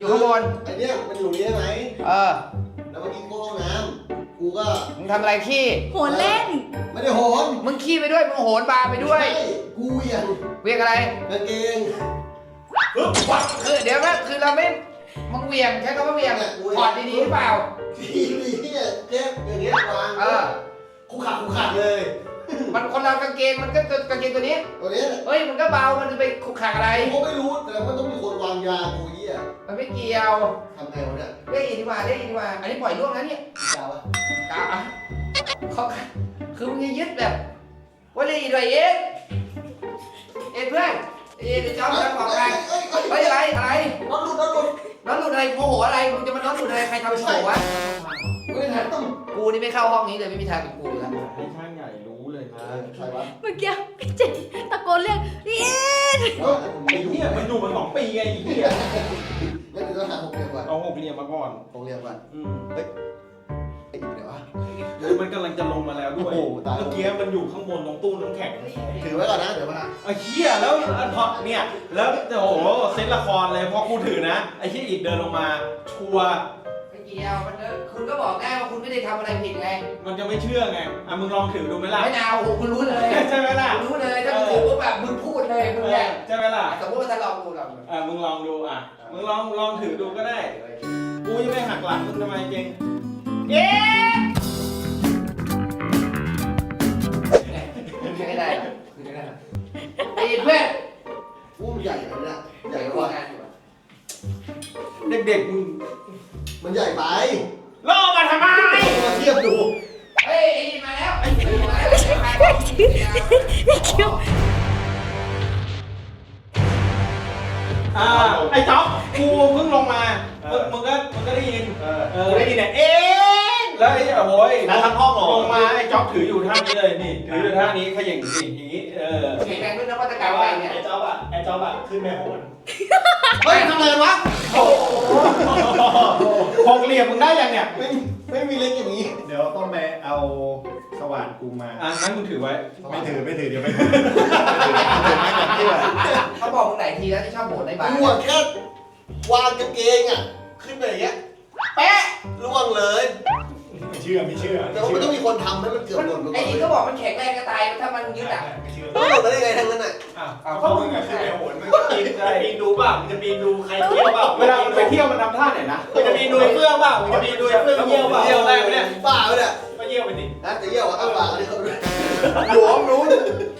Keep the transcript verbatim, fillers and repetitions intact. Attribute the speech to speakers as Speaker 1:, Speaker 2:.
Speaker 1: อยู่ข้างบน
Speaker 2: ไอเนี้ยมันอยู่นี้ใช่ไหม
Speaker 1: เออ
Speaker 2: แล้วเมื่อกี้กูห้องน้ำกูก็
Speaker 1: มึงทำอะไรขี้
Speaker 3: โหนเล่น
Speaker 2: ไม่ได้โหน
Speaker 1: มึงขี้ไปด้วยมึงโหนบาร์ไปด้วย
Speaker 2: ใช่กูเหวี่ยง
Speaker 1: เวียงอะไร
Speaker 2: กางเกง
Speaker 1: คือเดี๋ยวนะคือเราไม่มึงเวียงใช้คำว่าเวียงถอดดีๆหรือเปล่า
Speaker 2: ทีวีเนี่ยเจ็บอย่างเงี้ยวาง
Speaker 1: เออ
Speaker 2: กูขาดกูขาดเลย
Speaker 1: มันคนเรากางเกงมันก็กางเกงตัวนี้
Speaker 2: ตัวเนี้ย
Speaker 1: เฮ้ยมันก็เบามันจะไปขุกขักอะไร
Speaker 2: กูไม่รู้แต่มันต้องมีคนวางยากูเหี้ย
Speaker 1: มันไม่เกี่ยว
Speaker 2: ทำไงวะเนี่ย
Speaker 1: เรียกอีกดีกว่าเรียกอีกดีกว่าอันนี้ปล่อยล่วงนะเนี่ย
Speaker 2: ยาวะ
Speaker 1: กาวอ่ะเขาคือมึงจะยึดแบบว่าเรียกอีกด้วยเอ็ดเอ็ดเพื่อนเอ็ดจะเอาจะบอกอะไรเฮ้ยอะไรอะไร
Speaker 2: รถหลุดรถหลุด
Speaker 1: น้องหลุดอะไรโมโหอะไรมึงจะมาน้องหลุดอะไรใครทำโมโหวะ
Speaker 2: ไม่ทันต้อง
Speaker 1: กูนี่ไม่เข้าห้องนี้เลยไม่มีทางเป็นกูอยู่แล้ว
Speaker 4: ให้ช่างใหญ่รู้เลยนะ
Speaker 2: ใครวะ
Speaker 3: เมื่อกี้พี่เจตะโกนเรียกพี่เอ็ด
Speaker 4: ไอ้เหี้ยมันอยู่มาสองปีไงไอ้เหี้ย
Speaker 2: งั้นเดี๋ยวเราหาหกเหลี่ยมก่อน
Speaker 4: เอาหกเหลี่ยมมาก่อน
Speaker 2: หกเหลี่ยมก่อน
Speaker 4: อืม
Speaker 2: ไอ้อยู่เดี๋ยววะ
Speaker 4: คือมันกำลังจะลงมาแล้วด้วย
Speaker 2: โอ้โหตาย
Speaker 4: เมื่อกี้มันอยู่ข้างบนตรงตู้น้ำแข็ง
Speaker 2: ถือไว้ก่อนนะเดี๋ยวมา
Speaker 4: ไอ้เหี้ยแล้วอันพอเนี่ยแล้วโอ้โหเซตละครเลยพอกูถือนะไอ้เหี้ยอีกเดินลงมาชัวร์
Speaker 1: ไม่เกี่ยวมันเออคุณก็บอกได้ว่าคุณไม่ได้ทำอะไรผิดไง
Speaker 4: มันจะไม่เชื่อไงอ่ะมึงลองถือดูไหมล่ะ
Speaker 1: ไม่เอาโอ้โหคุณรู้เลย
Speaker 4: ใช่ไหมล่ะ
Speaker 1: คุณรู้เลยถ้ามึงถือปุ๊บแบบมึงพูดเลยมึง
Speaker 4: เอ
Speaker 1: เนี่
Speaker 4: อย ใช่ไหมล่ะ
Speaker 1: สมมติว่าถ้าลองดูลองดู
Speaker 4: อ่ะมึงลองดูอ่ะมึงลองลองถือดูก็ได้กูจะไม่หักหลังมึงทำไมเจงเอ๊ะ
Speaker 1: ไม่ได้หรอกไม่ได้หรอกไอ้เพื่อน
Speaker 2: อู้มันใหญ่เลยเนี่ยให
Speaker 1: ใหญ่
Speaker 2: ญ่
Speaker 1: ก
Speaker 2: ก
Speaker 1: ว่า
Speaker 2: ว่า
Speaker 1: งานอยู่อะ
Speaker 4: เด็กๆมึง
Speaker 2: มันใหญ่ไป
Speaker 4: ล่อมาทำไม
Speaker 2: มาเทียบดู
Speaker 1: เฮ้ยไอ้นี่มาแล้วไอ้นี่มาแล้วไอ้มา
Speaker 3: พี่คิว
Speaker 4: อ่าไอ้จ๊อบกูเพิ่งลงมามึงมึงก็มึงก็ได้ยิน
Speaker 2: เออ
Speaker 4: เออได้ยินเนี่ยเอ๊ะแล้วไอ้โอ้ย
Speaker 2: แล้วทั้งห้องเหรอ
Speaker 4: ลงมาไอ้จ๊อบถืออยู่ท่านี้เลยนี่ถืออยู่ท่านี้เขย่งสิอย่างนี้เออ
Speaker 1: เก่งแรงขึ้นนวัตกรรมอะไรเนี่ย
Speaker 5: ไอ้จ๊อบอ่ะไอ้จ๊อบอ่ะขึ้นแม่โหน
Speaker 2: เฮ้ยทำอะไรวะ
Speaker 4: โอ้โหหกเหลี่ยมมึงได้ยังเนี่ย
Speaker 2: ไม่ไม่มีเล็กอย่างนี้
Speaker 5: เดี๋ยวต้องไปเอาสว่านกูมา
Speaker 4: อ่ะงั้นมึงถือไว้
Speaker 5: ไม่ถือไม่ถือเดี๋ยวไม่ถือถือไม้ก่อนที่ว่า
Speaker 1: เขาบอกมึงไหนทีแล้วที่ชอบโหนในบ้าน
Speaker 2: กูอะแค่วางกางเกงอ่ะ ขึ้นไปอย่างเงี้ย
Speaker 1: แป๊ะ
Speaker 2: ล่วงเลย
Speaker 5: ไม่เชื่อไม่เชื่อ
Speaker 2: แต่ว่ามันต้องมีคนทำให้มันเกือบหล่นไปก่
Speaker 1: ไอ้
Speaker 2: อน
Speaker 1: นี่ก็บอกมันแข็งแรงจะตายถ้ามันยึดอ่ะ
Speaker 5: ไม่เชื่อ
Speaker 2: ต้องหล่นไปได้ไงทั้งนั้นอ่ะ
Speaker 4: อ่ะ
Speaker 1: เอา
Speaker 5: เพราะมึงอะขึ้นแม่โหนมึงก็ปีนจะปีนดูเปล่ามึงจะปีนดูใครเที่ยวเปล่า
Speaker 4: เวลามันไปเที่ยวมันทำท่าไหนนะ
Speaker 5: มึงจะปีนดูไอ้เฟื่องเปล่ามึงจะปีนดูไอ้เฟื่องเยี่ยวเปล่า
Speaker 4: เยี่ยวได้ไหมเนี่ย
Speaker 2: บ้าไปเนี่ย
Speaker 5: ก็เยี่ยวไปดิ
Speaker 2: นะแต่เยี่ยวอ่ะอ้าวบ้าเลยเขาหลวมรู้